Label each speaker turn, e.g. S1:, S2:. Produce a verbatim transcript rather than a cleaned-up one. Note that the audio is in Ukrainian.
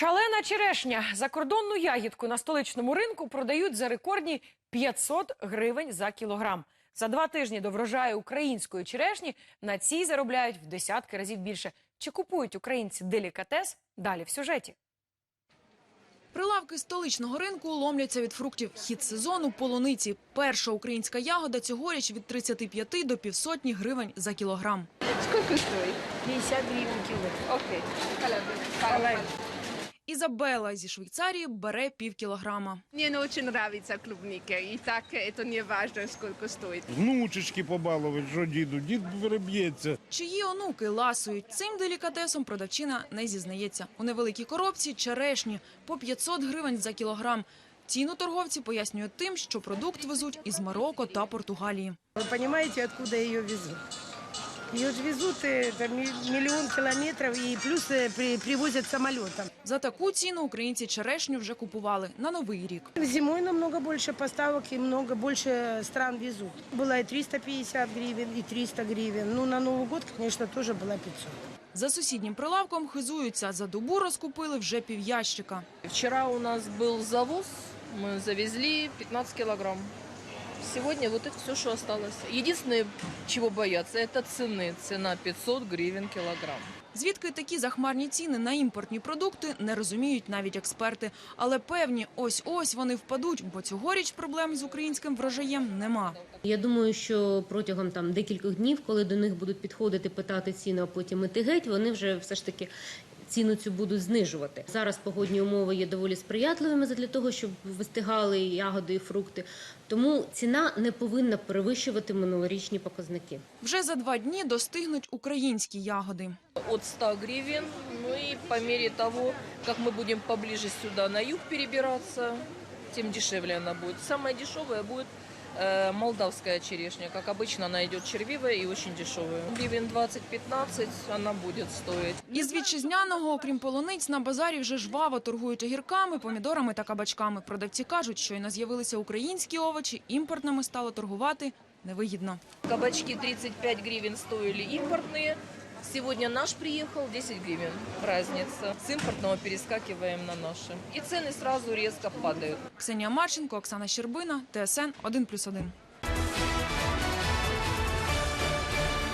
S1: Шалена черешня. Закордонну ягідку на столичному ринку продають за рекордні п'ятсот гривень за кілограм. За два тижні до врожаю української черешні на цій заробляють в десятки разів більше. Чи купують українці делікатес? Далі в сюжеті.
S2: Прилавки столичного ринку ломляться від фруктів. Хід сезону – полуниці. Перша українська ягода цьогоріч від тридцяти п'яти до півсотні гривень за кілограм.
S3: Сколько стоит? пятьдесят гривен кило. Окей.
S2: Ізабела зі Швейцарії бере пів кілограма.
S3: Мне очень нравится клубника. И так это не важно, сколько стоит.
S4: Внучечки побалувати, що діду, дід переб'ється.
S2: Чиї онуки ласують цим делікатесом, продавчина не зізнається. У невеликій коробці черешні по п'ятсот гривень за кілограм. Ціну торговці пояснюють тим, що продукт везуть із Марокко та Португалії.
S5: Вы понимаете, откуда ее везут? Ее же везут это, миллион километров и плюс при, привозят самолетом.
S2: За таку ціну українці черешню вже купували на Новий рік.
S5: Зимой намного больше поставок и много больше стран везут. Было и триста пятьдесят гривен, и триста гривен. Ну, на Новый год, конечно, тоже было пятьсот.
S2: За сусіднім прилавком хизуються. За добу розкупили вже півящика.
S6: Вчера у нас был завоз, мы завезли пятнадцать килограмм. Сегодня вот это все, что осталось. Единственное, чего бояться, это цены. Цена пятьсот гривен килограмм.
S2: Звідки такі захмарні ціни на імпортні продукти, не розуміють навіть експерти. Але певні, ось-ось вони впадуть, бо цьогоріч проблем з українським врожаєм нема.
S7: Я думаю, що протягом там декількох днів, коли до них будуть підходити, питати ціну, а потім іти геть, вони вже все ж таки ціну цю будуть знижувати. Зараз погодні умови є доволі сприятливими для того, щоб вистигали ягоди і фрукти. Тому ціна не повинна перевищувати минулорічні показники.
S2: Вже за два дні достигнуть українські ягоди.
S6: От ста гривен, ну и по мере того, как мы будем поближе сюда на юг перебираться, тем дешевле она будет. Самая дешевая будет э, молдавская черешня. Как обычно, она идет червивая и очень дешевая. Гривен двадцать-пятнадцать она будет стоить.
S2: Із вітчизняного, окрім полуниць, на базарі вже жваво торгують огірками, помідорами та кабачками. Продавці кажуть, щойно з'явилися українські овочі, імпортними стало торгувати невигідно.
S6: Кабачки тридцать пять гривен стоили импортные. Сегодня наш приехал, десять гривен. Разница. С импортного перескакиваем на наши. И цены сразу резко падают.
S2: Ксенія Марченко, Оксана Щербина, Т С Н один плюс один.